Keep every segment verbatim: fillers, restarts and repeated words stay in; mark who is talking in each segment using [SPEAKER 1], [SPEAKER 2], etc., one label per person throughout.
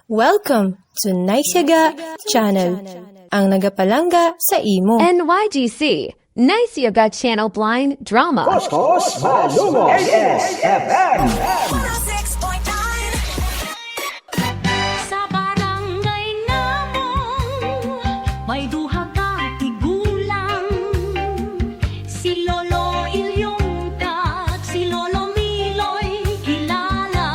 [SPEAKER 1] Welcome to Naisyaga Channel, ang nagapalanga sa imo.
[SPEAKER 2] N Y G C, Nice Yoga Channel Blind Drama.
[SPEAKER 3] Coscos Malumos A S F M.
[SPEAKER 4] Sa barangay namong may duha ka tigulang, si Lolo Ilyong kag si Lolo Miloy kilala.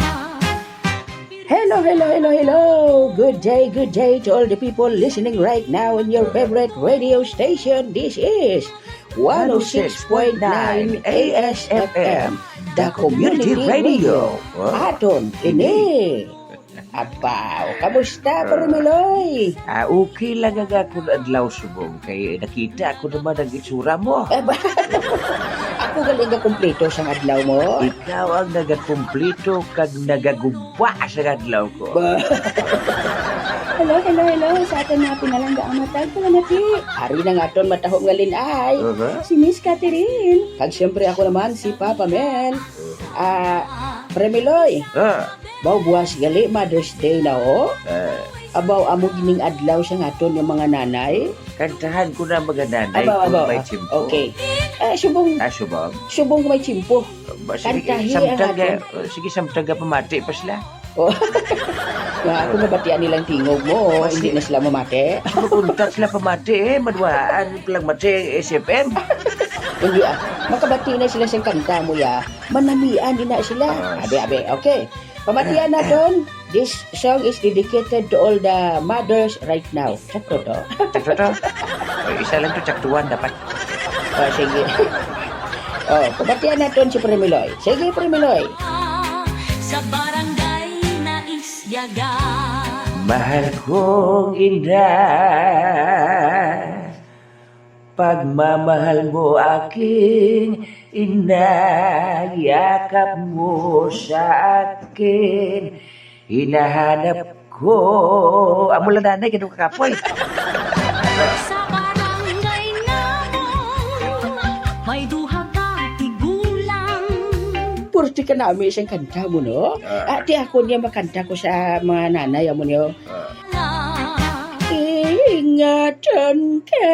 [SPEAKER 3] Hello, hello, hello, hello. Good day, good day to all the people listening right now in your favorite radio station. This is one oh six point nine A S F M, the community radio. Aton ini. Apaw, kamusta, Parmiloy?
[SPEAKER 5] Ah, okay lang ang ako na adlaw subong. Kaya nakita ako naman ang itsura mo.
[SPEAKER 3] Aba, ako galing ka kumpleto sa adlaw mo.
[SPEAKER 5] Ikaw ang nagakumplito kag nagaguba sa adlaw ko.
[SPEAKER 3] Ba,
[SPEAKER 6] Hello, hello, hello. Sa atin na pinalangga ang matag ko na ti.
[SPEAKER 3] ari na nga ton matahong ngalin ay.
[SPEAKER 5] Uh-huh.
[SPEAKER 6] Si Miss Catherine.
[SPEAKER 3] Kag siyempre ako naman si Papa Mel. Ah, Premiloy,
[SPEAKER 5] Ah,
[SPEAKER 3] baw buwas gali Mother's Day na o.
[SPEAKER 5] ah,
[SPEAKER 3] Abaw amo gining adlaw sa ngaton yung mga nanay.
[SPEAKER 5] kantahan ko na mga nanay
[SPEAKER 3] Abaw,
[SPEAKER 5] kung
[SPEAKER 3] abaw.
[SPEAKER 5] may
[SPEAKER 3] ah,
[SPEAKER 5] chimpo.
[SPEAKER 3] Okay. Eh, subong,
[SPEAKER 5] Ah, subong.
[SPEAKER 3] subong may chimpo.
[SPEAKER 5] Ba, sige,
[SPEAKER 3] Kantahi
[SPEAKER 5] samtaga,
[SPEAKER 3] ang
[SPEAKER 5] sige, samtaga pamati pa sila.
[SPEAKER 3] Oh. Nga ako nabatian nilang tingog mo,
[SPEAKER 5] Mas-
[SPEAKER 3] hindi na sila mamate.
[SPEAKER 5] Makuntat sila pamati eh, madwaan palang mati S F M.
[SPEAKER 3] Hindi ah, makabati na sila sa kanta mo ya. Manamian din na sila.
[SPEAKER 5] Ah.
[SPEAKER 3] Abe, abe, okay. Pamatian na doon. This song is dedicated to all the mothers right now. Sakto to.
[SPEAKER 5] Sakto to. O, isa lang to, tsaktuan dapat.
[SPEAKER 3] Oh, sige. Oh, pamatian na doon si Premiloy. Sige, Premiloy.
[SPEAKER 4] Sa barangay na Isyaga.
[SPEAKER 5] Mahal kong ina, pagmamahal mo aking ina, yakap mo sa akin, hinahanap ko. Amo lang nanay, ganun kakapoy.
[SPEAKER 4] Sa barangay namong may duha ka tigulang.
[SPEAKER 3] Purti ka namin isang kanta mo, no? Ah, di ako niya makanta ko sa mga nanay mo niyo. Ingatan ka,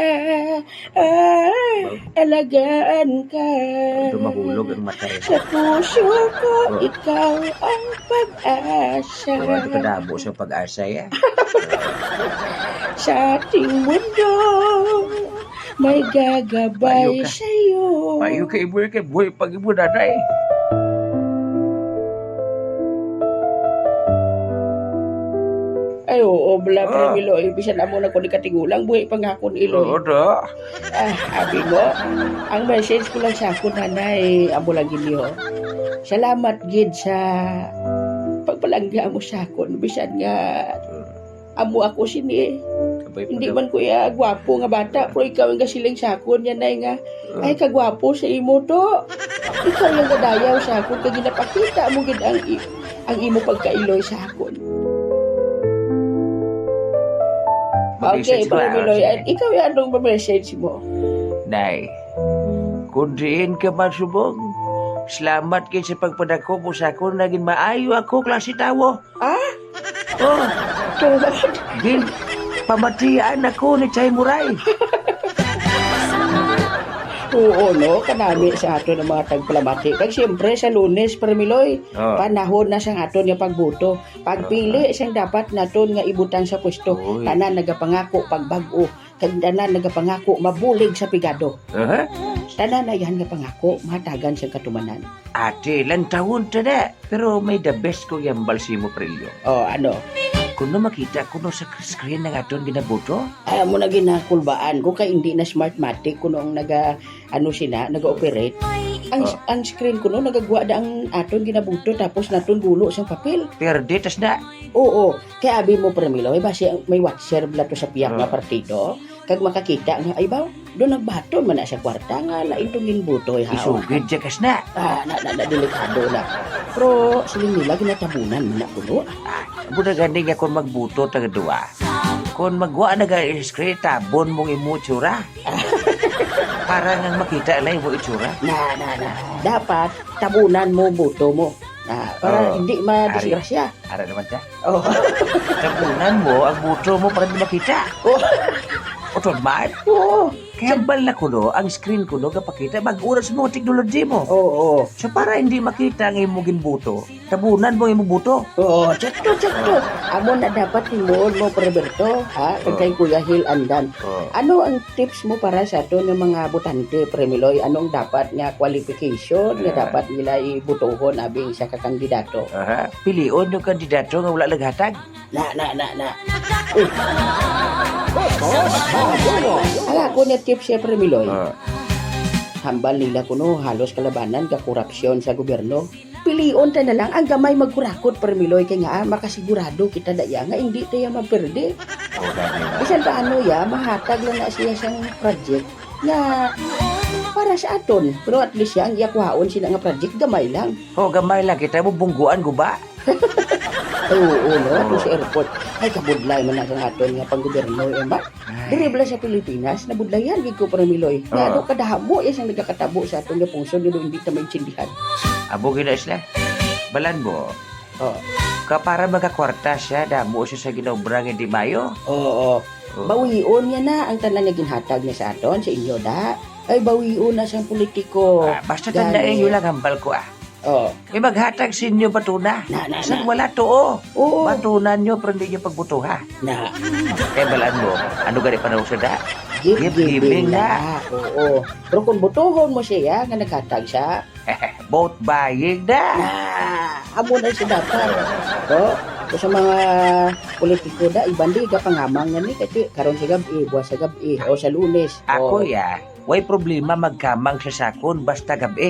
[SPEAKER 3] ah, alagaan ka.
[SPEAKER 5] Dumahulog ang mata eh.
[SPEAKER 3] Sa puso ko, ikaw ang pag-asa.
[SPEAKER 5] So, ito kadamo sa pag-asa ya.
[SPEAKER 3] Sa ating mundo, may gagabay
[SPEAKER 5] Payo ka.
[SPEAKER 3] sa'yo.
[SPEAKER 5] Payo ka ibu ka, buhay pag ibu nanay.
[SPEAKER 3] Ay, oo, bala,
[SPEAKER 5] Ah.
[SPEAKER 3] Premilo. Ibisan na muna ko ni katigulang, buhay pang ako ni Iloy.
[SPEAKER 5] Oo, do.
[SPEAKER 3] Ah, abi mo, ang message ko lang sa ako, nanay, amo lang giliho. Salamat, gid, sa pagpalangga mo sa ako. Bisan nga, amo ako sini.
[SPEAKER 5] Sabay pa
[SPEAKER 3] Hindi
[SPEAKER 5] daw.
[SPEAKER 3] man ko ya gwapo nga bata, pero ikaw ang gasiling sa ako niya, nay nga. Ay, kagwapo sa imo to. Ikaw yung gadayaw sa ako, kag ginapakita mo gid ang, i- ang imo pagkailoy sa ako. Okay,
[SPEAKER 5] Mag-message ba?
[SPEAKER 3] Premiloy,
[SPEAKER 5] Sige.
[SPEAKER 3] at ikaw yung anong message mo?
[SPEAKER 5] Nay, kung diin ka man subong, salamat kayo sa pagpadako mo sa ako, naging maayo ako, klase tawo.
[SPEAKER 3] Ah?
[SPEAKER 5] Oh,
[SPEAKER 3] Tulad.
[SPEAKER 5] gin, pamatian ako ni Chay Muray.
[SPEAKER 3] Oo, no? Kanami sa ato ng mga tagpalamati. Kag siyempre sa Lunes, Premiloy,
[SPEAKER 5] Oh.
[SPEAKER 3] panahon na sa aton nga pagbuto. Pagpili siyang dapat naton nga ibutan sa pwesto.
[SPEAKER 5] Uy.
[SPEAKER 3] Tanan nagapangako pagbago. Kag tanan nagapangako mabulig sa pigado.
[SPEAKER 5] Uh-huh.
[SPEAKER 3] Tanan na yan nga pangako matagan sa katumanan.
[SPEAKER 5] Ate, lang taon ta na. Pero may the best ko yung balsimo prilyo.
[SPEAKER 3] Oh, ano?
[SPEAKER 5] Kung no makita ko no sa screen ng aton ginabuto,
[SPEAKER 3] Ay mo na ginakulbaan ko kay hindi na smartmatic kuno ang naga ano sina naga-operate. Ang
[SPEAKER 5] Oh.
[SPEAKER 3] ang screen kuno nagagwa da ang aton ginabuto tapos naton gulo sa papel.
[SPEAKER 5] perde tas na.
[SPEAKER 3] Oo, kaya abi mo Premilo, may base may watcher bla to sa piyak nga
[SPEAKER 5] Ah.
[SPEAKER 3] partido. Kag makakita nga ay baw, do nagbaton man na sa kwarta nga lain tong ginbuto ha.
[SPEAKER 5] Isugid siya kas na.
[SPEAKER 3] Ah, na, na, na delikado na. Pero siling nila ginatabunan man na kuno.
[SPEAKER 5] Ah, buda gani nga kung magbuto taga duwa. Kung magwa na ga screen tabon mong imo tsura. Para nga makita lang mo itsura.
[SPEAKER 3] Na na na. Dapat tabunan mo buto mo. Na, para
[SPEAKER 5] Oo.
[SPEAKER 3] hindi madisgrasya.
[SPEAKER 5] Ara naman ta.
[SPEAKER 3] Oh.
[SPEAKER 5] Tabunan mo, ang buto mo para di makita.
[SPEAKER 3] Oh.
[SPEAKER 5] Otod man.
[SPEAKER 3] Oo.
[SPEAKER 5] Kaya bala ko no, ang screen ko no, kapakita, mag-uras mo ang teknology mo.
[SPEAKER 3] Oo.
[SPEAKER 5] So para hindi makita ang imong ginbuto, tabunan mo ang imong buto.
[SPEAKER 3] Oo, tsakto, tsakto. Amo na dapat timuon mo, Preberto, ha? Kag kay Kuya Hil Andan.
[SPEAKER 5] Oh.
[SPEAKER 3] Ano ang tips mo para sa ato ng mga butante, Premiloy? Anong dapat nga qualification nga
[SPEAKER 5] Ah.
[SPEAKER 3] dapat nila ibutuhon abing sa kakandidato?
[SPEAKER 5] Aha, pilion yung kandidato nga wala naghatag.
[SPEAKER 3] Na, na, na, na. Uy. Ang ako na tips siya, Premiloy.
[SPEAKER 5] Oh.
[SPEAKER 3] Hambal nila kuno halos kalabanan ka korupsyon sa gobyerno. Pilion ta na lang ang gamay magkurakot, Premiloy, kay nga ah, makasigurado kita daya nga hindi tayo maperde.
[SPEAKER 5] Oh, dami na.
[SPEAKER 3] Bisan pa ano ya, mahatag lang na siya siyang project nga para sa aton. Pero at least yan, iyakwaon sila nga project, gamay lang.
[SPEAKER 5] Oh, gamay lang kita mo bungguan guba.
[SPEAKER 3] Ay, oo, no? Ito sa airport. Ay, kabudlay man na sa aton nga panggobyerno, eh, ba? Diribla sa Pilipinas, nabudlayan, gig ko, Premiloy. Nga,
[SPEAKER 5] Oo.
[SPEAKER 3] ano, kadahamo, yes, ang nagkakatabo sa aton nga pungso, dito hindi na maintindihan.
[SPEAKER 5] Abo gina isla. Balan mo.
[SPEAKER 3] Oh.
[SPEAKER 5] Kapara magkakwarta siya, damo siya sa ginobrang hindi mayo.
[SPEAKER 3] Oo.
[SPEAKER 5] Oh.
[SPEAKER 3] Bawion niya na ang tanan nga ginhatag niya sa aton, sa inyo, da. Ay, bawion na siyang politiko.
[SPEAKER 5] Ah, basta tandaan yun lang hambal ko ah.
[SPEAKER 3] Oh.
[SPEAKER 5] May maghatag sa inyo batuna.
[SPEAKER 3] Na, na,
[SPEAKER 5] Saan
[SPEAKER 3] na.
[SPEAKER 5] wala to oh.
[SPEAKER 3] Oo.
[SPEAKER 5] Batunan nyo pero hindi nyo pagbutuha.
[SPEAKER 3] Na.
[SPEAKER 5] Kaya balaan mo, ano gani panahon sa da?
[SPEAKER 3] Gift
[SPEAKER 5] Gift giving
[SPEAKER 3] giving
[SPEAKER 5] na.
[SPEAKER 3] na. Oo. Pero kung butuhon mo siya, nga naghatag siya,
[SPEAKER 5] Boat buying na.
[SPEAKER 3] ah, amo na siya dapat. O, so, sa mga politiko da, ibandi ka pangamang nga ni, kasi karon sa gabi, buwas sa gabi, o sa lunes.
[SPEAKER 5] Ako
[SPEAKER 3] O,
[SPEAKER 5] ya, way problema magkamang sa sakon basta gabi.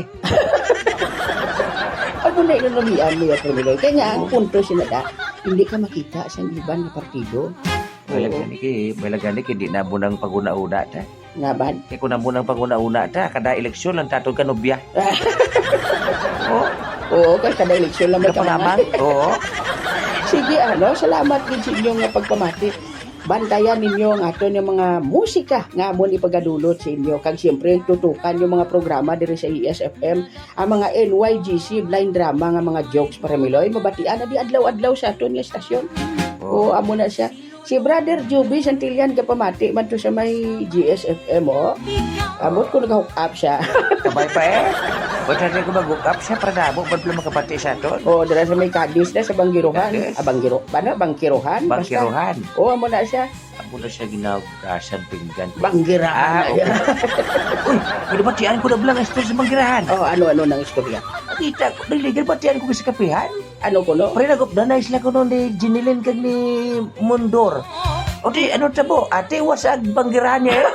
[SPEAKER 3] Ako na ilunamian mo ya, Premiloy. Kaya nga, ang punto siya da, hindi ka makita sa iban na partido.
[SPEAKER 5] Wala
[SPEAKER 3] Oo.
[SPEAKER 5] gani ki, wala gani ki, di na mo nang paguna-una ta.
[SPEAKER 3] Nga ba?
[SPEAKER 5] Kaya kung na mo nang paguna-una ta, kada eleksyon lang tatog ka nobya. Oo,
[SPEAKER 3] Oo, kaya kada eleksyon lang may
[SPEAKER 5] kapangamang.
[SPEAKER 3] kamangan.
[SPEAKER 5] Oo.
[SPEAKER 3] Sige, ano, salamat din sa inyong nga pagpamati. Bantayan ninyo ang ato ng mga musika nga amon ipagadulot sa inyo. Kag siyempre, tutukan yung mga programa diri sa E S F M, ang mga N Y G C, blind drama, nga mga jokes para Miloy. Mabatian na di adlaw-adlaw sa ato nga estasyon. Oo, amo na siya. Si Brother Juby Santillan kapamati man to sa may G S F M, oh. Amot ko nag-hook up siya.
[SPEAKER 5] Kabay pa eh. Ba't natin ko mag-hook up siya para damo, ba't lang makapati sa aton?
[SPEAKER 3] Oo, dala sa may Cadiz na sa Banggiruhan.
[SPEAKER 5] Cadiz?
[SPEAKER 3] Ah, Banggiro, ba na? Bangkiruhan? Basta.
[SPEAKER 5] Bangkiruhan.
[SPEAKER 3] Oo, amo na siya.
[SPEAKER 5] Ako na siya ginagasan pinggan.
[SPEAKER 3] Banggirahan.
[SPEAKER 5] Ah, okay. Uy, pinabatian ko na bilang estor sa manggirahan.
[SPEAKER 3] Oh, ano-ano ng istorya?
[SPEAKER 5] Kita ko, naliligyan batian ko sa kapihan.
[SPEAKER 3] Ano ko, no?
[SPEAKER 5] Pre, nagupdanay sila ko noon ni Jinilin kag ni Mundor. O di, ano tabo? Ate, wasag banggirahan niya eh.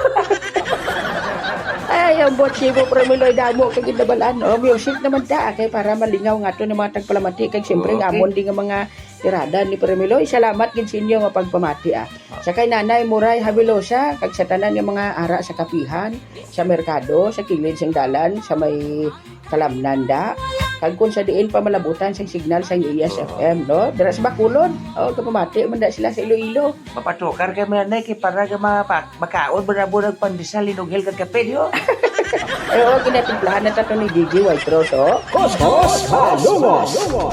[SPEAKER 3] Ay, ang botsi mo, Premiloy, damo, kag inabalaan. Oh, music naman ta, kay para malingaw nga to ng mga tagpalamati. Kag siyempre,
[SPEAKER 5] Okay.
[SPEAKER 3] amon din nga mga tirada ni Premiloy. Salamat gid sa inyo nga pagpamati, ah. Sa kay Nanay Muray Habilosa, kag sa tanan nga mga ara sa kapihan, sa merkado, sa kilid sang dalan, sa may kalamnanda, kag kun sa diin pa malabutan sa signal sa E S F M, no? Dira sa Bacolod. Oh, kapamati man da sila sa Iloilo.
[SPEAKER 5] Mapatukar kay manay kay para ka mapak makaon barabo nagpandesal linughel kag kape yo.
[SPEAKER 3] Eh, oh, ginatimplahan na tato ni D J White Rose, oh.
[SPEAKER 7] Cosmos Malumos.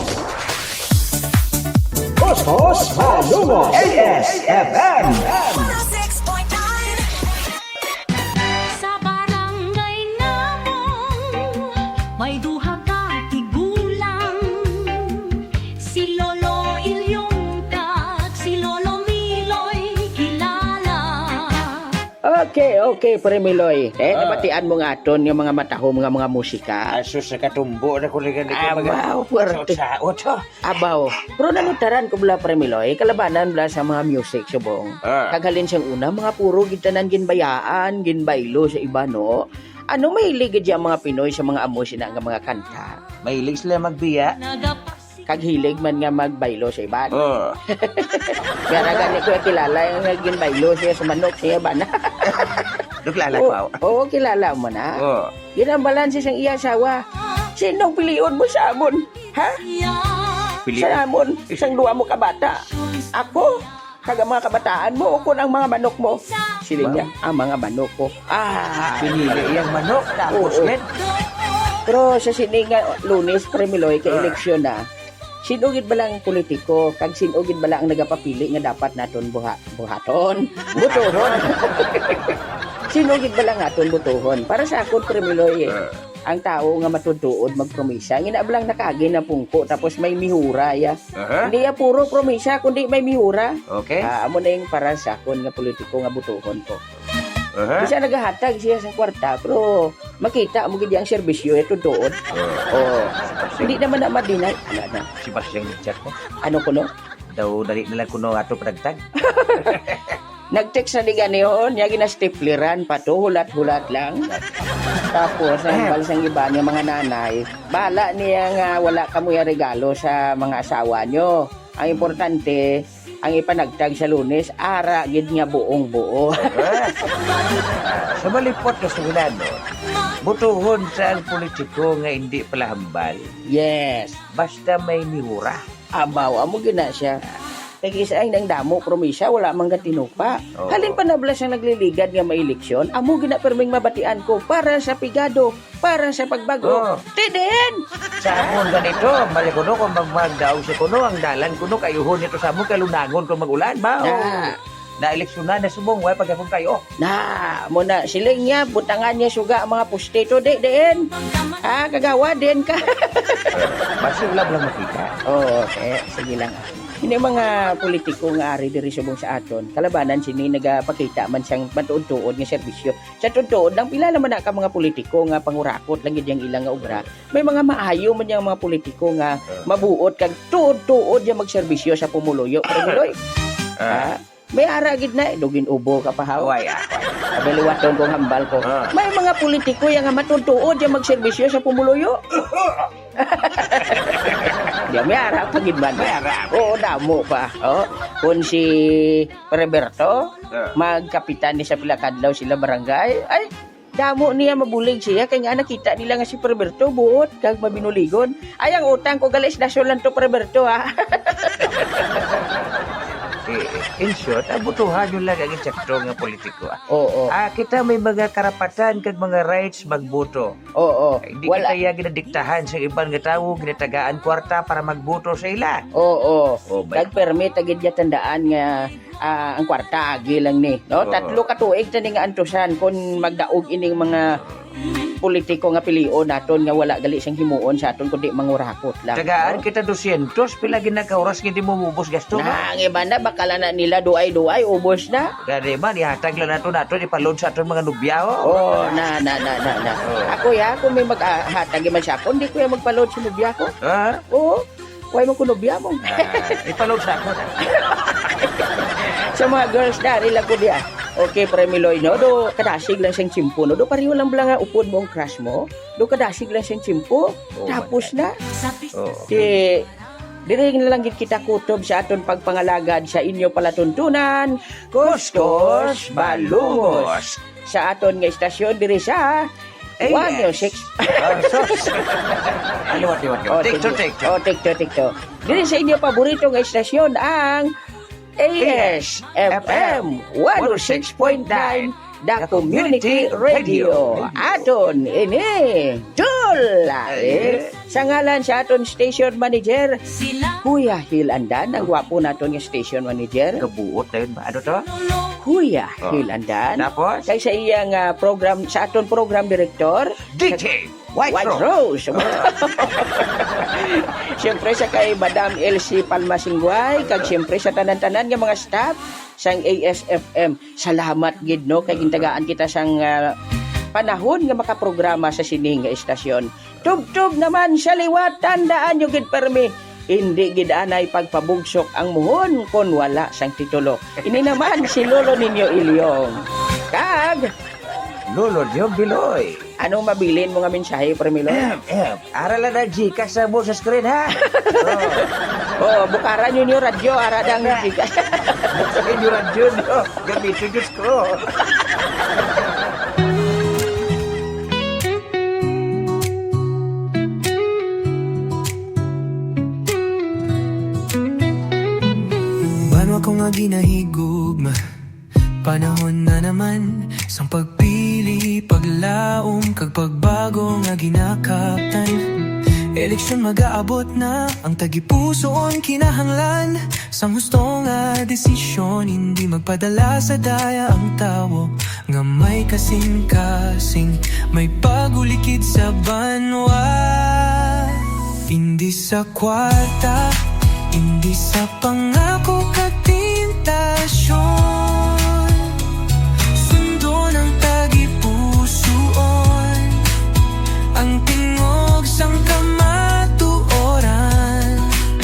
[SPEAKER 7] Cosmos Malumos. A S F M.
[SPEAKER 4] Sa barangay namon may duha ka tigulang, si Lolo Ilyong kag si Lolo Miloy kilala.
[SPEAKER 3] Okay, okay, Premiloy. Eh, nabatian mo nga aton yung mga matahom nga mga musika.
[SPEAKER 5] Aso sa katumbo na ko ligan
[SPEAKER 3] Abaw, puwerte.
[SPEAKER 5] Sa oto.
[SPEAKER 3] Abaw. Pero nanutaran ko bala, Premiloy, kalabanan bala sa mga music, subong.
[SPEAKER 5] Ah.
[SPEAKER 3] Kaghalin siyang una, mga puro gitanan ginbayaan, ginbaylo sa iba, no? Ano mahilig gid ang mga Pinoy sa mga amos na nga mga kanta?
[SPEAKER 5] Mahilig sila magbiya.
[SPEAKER 4] Nagapasi
[SPEAKER 3] Kag hilig man nga magbaylo sa iba.
[SPEAKER 5] Oh.
[SPEAKER 3] Kaya na gani ko kilala yung ginbaylo siya sa manok siya ba na?
[SPEAKER 5] Duklala
[SPEAKER 3] Oo,
[SPEAKER 5] ko.
[SPEAKER 3] oo, kilala mo na.
[SPEAKER 5] Oh.
[SPEAKER 3] Ginambalan siya siyang iya asawa. Sinong piliyon mo sa amon? Ha?
[SPEAKER 5] Pili.
[SPEAKER 3] Sa amon, isang duwa mo kabata. Ako, kaga mga kabataan mo, o kun ang mga manok mo. Sila niya, ang mga manok ko. Ah,
[SPEAKER 5] Pinili iyang manok tapos
[SPEAKER 3] Oo.
[SPEAKER 5] yan.
[SPEAKER 3] Pero sa sini nga Lunes Premiloy kay eleksyon na. Sinugid ba lang politiko, kag sinugid ba lang ang nagapapili nga dapat naton buha, buhaton, butuhon. Sinugid ba lang naton butuhon. Para sa akon Premiloy, eh, ang tao nga matutuod magpromisa, ngina ba lang nakagi na pungko tapos may mihura ya.
[SPEAKER 5] Aha.
[SPEAKER 3] Hindi ya puro promisa kundi may mihura.
[SPEAKER 5] Okay.
[SPEAKER 3] Ah, amo na yung para sa akon nga politiko nga butuhon ko.
[SPEAKER 5] Aha.
[SPEAKER 3] Bisa nagahatag siya sa kwarta pero makita mo gid ang serbisyo ito tuod. Oh. Hindi naman na madinay. Ano na?
[SPEAKER 5] Si Basyang nag-chat ko.
[SPEAKER 3] Ano kuno?
[SPEAKER 5] Daw dali na lang kuno ato padagtag.
[SPEAKER 3] Nag-text na di ganihon, niya ginastipleran pa to, hulat-hulat lang. Tapos, ang balasang iba niya mga nanay, bala niya nga wala kamuya regalo sa mga asawa nyo. Ang importante, ang ipanagtag sa Lunes, ara gid nga buong buo.
[SPEAKER 5] Sa malipot na sunano, butuhon sa ang politiko nga hindi pala hambal.
[SPEAKER 3] Yes.
[SPEAKER 5] Basta may mihura.
[SPEAKER 3] Abaw, amo gina siya. Kaya isa ay nang damo, promisa, wala mang gatinupa.
[SPEAKER 5] Oo.
[SPEAKER 3] Halin pa nablas ang nagliligad nga maeleksyon, amo gina perming mabatian ko para sa pigado, para sa pagbago.
[SPEAKER 5] Oo.
[SPEAKER 3] Tidin!
[SPEAKER 5] Sa amon ganito, mali kuno kung magmagdaw si kuno, ang dalan kuno, kayuhon ito sa amon, kalunangon kung magulan ba?
[SPEAKER 3] Na.
[SPEAKER 5] Na eleksyonan na subong, way pagkakong kayo.
[SPEAKER 3] Na, muna siling niya, butangan niya suga ang mga postito, di, din. Ha, kagawa din ka.
[SPEAKER 5] Basta wala lang makita.
[SPEAKER 3] Oo, eh, sige lang. Hindi mga politiko nga ari diri subong sa aton. Kalabanan sini nagapakita man siyang matuod-tuod nga serbisyo. Sa tuod lang pila naman na ka mga politiko nga pangurakot lang gid yang ilang nga obra. May mga maayo man yang mga politiko nga mabuot kag tuod-tuod yang magserbisyo sa pumuluyo. Premiloy. Ha? May ara gid na dugin ubo ka pa haw.
[SPEAKER 5] Away ah.
[SPEAKER 3] Abeliwaton kong hambal ko.
[SPEAKER 5] Ah.
[SPEAKER 3] May mga politiko yang nga matutuod yang magserbisyo sa pumuluyo. Di may ara pa gid man.
[SPEAKER 5] May ara.
[SPEAKER 3] Oo, damo pa. Oh, kung si Roberto,
[SPEAKER 5] Ah.
[SPEAKER 3] magkapitan ni sa Pilakadlaw sila barangay, ay, damo niya mabulig siya. Kaya nga nakita nila nga si Roberto buot, kag mabinuligon. Ay, ang utang ko galis na lang to Roberto, ha?
[SPEAKER 5] Eh, in short, ang butuhan yun lang ang insakto nga politiko. Ah.
[SPEAKER 3] Oo,
[SPEAKER 5] Ah, kita may mga karapatan kag mga rights magboto.
[SPEAKER 3] oo.
[SPEAKER 5] Ay, Hindi
[SPEAKER 3] Wala.
[SPEAKER 5] kita kaya ginadiktahan sa ibang nga tao, ginatagaan kwarta para magboto sa ila.
[SPEAKER 3] Oo,
[SPEAKER 5] Oh, ba-
[SPEAKER 3] nag-permit agad niya tandaan nga ah, ang kwarta agi lang ni. No?
[SPEAKER 5] Oo.
[SPEAKER 3] Tatlo ka tuig tani nga antusan kung magdaog ining mga politiko nga pilion naton nga wala gali siyang himuon sa aton kundi mangurakot lang.
[SPEAKER 5] Tagaan
[SPEAKER 3] no?
[SPEAKER 5] kita dosyentos, pila ginakauras hindi mo mubos gasto
[SPEAKER 3] Na,
[SPEAKER 5] na.
[SPEAKER 3] ang iba na, bakala na nila duay-duay, ubos na.
[SPEAKER 5] Gani man, ihatag lang nato nato, ipalod sa aton mga nubyaho.
[SPEAKER 3] Oh, na, na, na, na, na. Ako ya, kung may maghatag man siya ako, hindi ko yung magpaload sa nubya ko.
[SPEAKER 5] Ha?
[SPEAKER 3] Oo, huwag mo ko nubya mo.
[SPEAKER 5] Ah, ipalod sa ako.
[SPEAKER 3] Sa mga girls na, nila ko diya. Okay, Premiloy, no? Do, kadasig lang siyang chimpo, no? Do, pariho lang lang nga upod mo ang crush mo. Do, kadasig lang siyang chimpo.
[SPEAKER 5] Oh,
[SPEAKER 3] Tapos na.
[SPEAKER 5] Oh.
[SPEAKER 3] Di, diri na lang gid kita kutob sa aton pagpangalagad sa inyo palatuntunan. Kustos Balungos. Sa aton nga istasyon diri sa
[SPEAKER 5] A S.
[SPEAKER 3] one oh six.
[SPEAKER 5] Ah, sos. Ano, what, what, what? Take to, take to.
[SPEAKER 3] Oh, take to, take to. Diri sa inyo paborito nga istasyon ang A S F M one oh six point nine The Community Radio. Aton ini Dula. Eh, sa ngalan sa aton station manager
[SPEAKER 4] Sila
[SPEAKER 3] Kuya Hilandan, ang gwapo naton nga station manager.
[SPEAKER 5] Kabuot na yun ba? Ano to?
[SPEAKER 3] Kuya
[SPEAKER 5] Oh.
[SPEAKER 3] Hilandan.
[SPEAKER 5] Tapos?
[SPEAKER 3] Kay sa iyang ah, program sa aton program director
[SPEAKER 5] D J White,
[SPEAKER 3] White
[SPEAKER 5] Rose.
[SPEAKER 3] Rose. Siyempre sa kay Madam Elsie Palmasingguay, kag siyempre sa tanan-tanan nga mga staff sang A S F M. Salamat gid no kay gintagaan kita sang ah, panahon nga makaprograma sa sining nga istasyon. Tub-tub naman sa liwat, tandaan nyo gid permi. Hindi gid anay pagpabugsok ang muhon kon wala sang titulo. Ini naman si Lolo ninyo Ilyong. Kag
[SPEAKER 5] Lolo Diyo Biloy.
[SPEAKER 3] anong mabilin mo nga mensahe, Premilo?
[SPEAKER 5] Eh, eh, aralan na Gcash sa mo sa screen, ha?
[SPEAKER 3] Oh, bukaran yun yung radyo, aradang gigas.
[SPEAKER 5] Buksakin yung radyo nyo. Gamitin yung scroll.
[SPEAKER 8] Bano ako nga ginahigugma. Panahon na naman sang pagpili paglaom kag pagbago nga ginakaptan. Eleksyon mag-aabot na, ang tagipusoon kinahanglan. Sang husto nga desisyon, hindi magpadala sa daya ang tawo. Nga may kasing-kasing, may pagulikid sa banwa. Hindi sa kwarta, hindi sa pangako kag tentasyon. Sundo ng tagipusoon, ang tingog sang kamatuoran.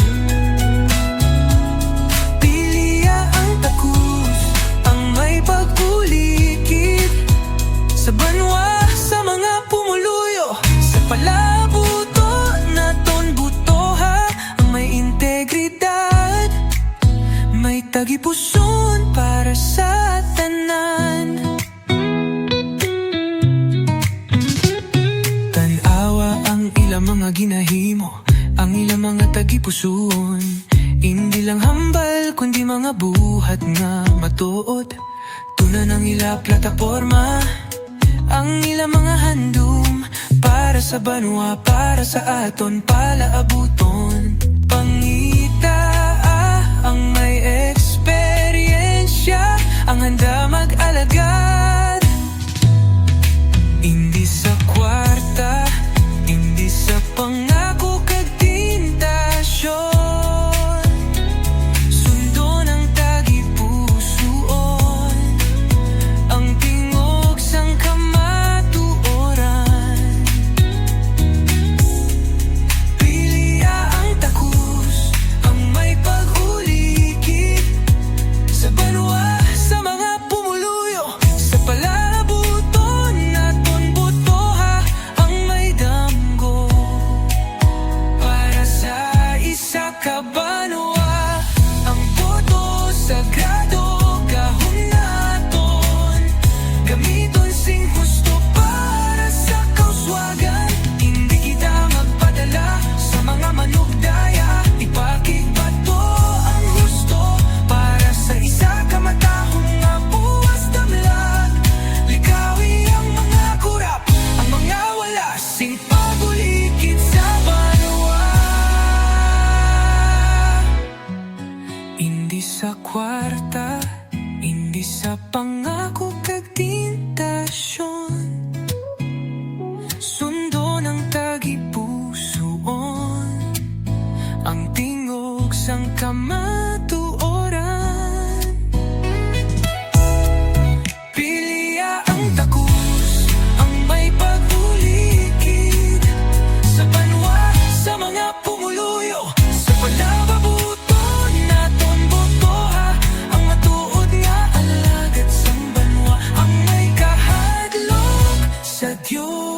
[SPEAKER 8] Piliya ang takus, ang may pag-ulikid sa banwa, sa mga pumuluyo, sa palabuto naton butoha. Ang may integridad, may tagipuson para sa tanan. Tanawa ang ilang mga ginahimo, ang ilang mga tagipuson. Hindi lang hambal, kundi mga buhat nga matuod. Tunan ang ila plataporma, ang ilang mga handom para sa banwa, para sa aton palaabuton. Pangita ah, ang may eksperyensya, ang handa mag-alagad. Hindi sa kwarta, hindi sa pangako kag tentasyon. Sundo ng tagipusoon, ang tingog sang kamatuoran. Piliya ang takus, ang may pag-ulikid sa banwa, sa mga pumuluyo, sa palabuton naton butoha. Ang may damgo para sa isa ka banwa, ang boto sagrado gahom naton. Gamiton sing husto para sa kauswagan. Hindi kita magpadala sa mga manugdaya. Ipakigbato ang husto para sa isa ka matahong nga buwas damlag. Likawi ang mga kurap, ang mga wala sing pagulikid sa banwa. Hindi sa kwarta, hindi sa pangako kag tentasyon. Sundo ng tagipusoon, ang tingog sang kamatuoran. Piliya ang takus, ang may pag-ulikid sa banwa, sa mga pumuluyo, sa palababuton naton botoha. Ang matuod nga alagad sang banwa, ang may kahadlok sa Diyos.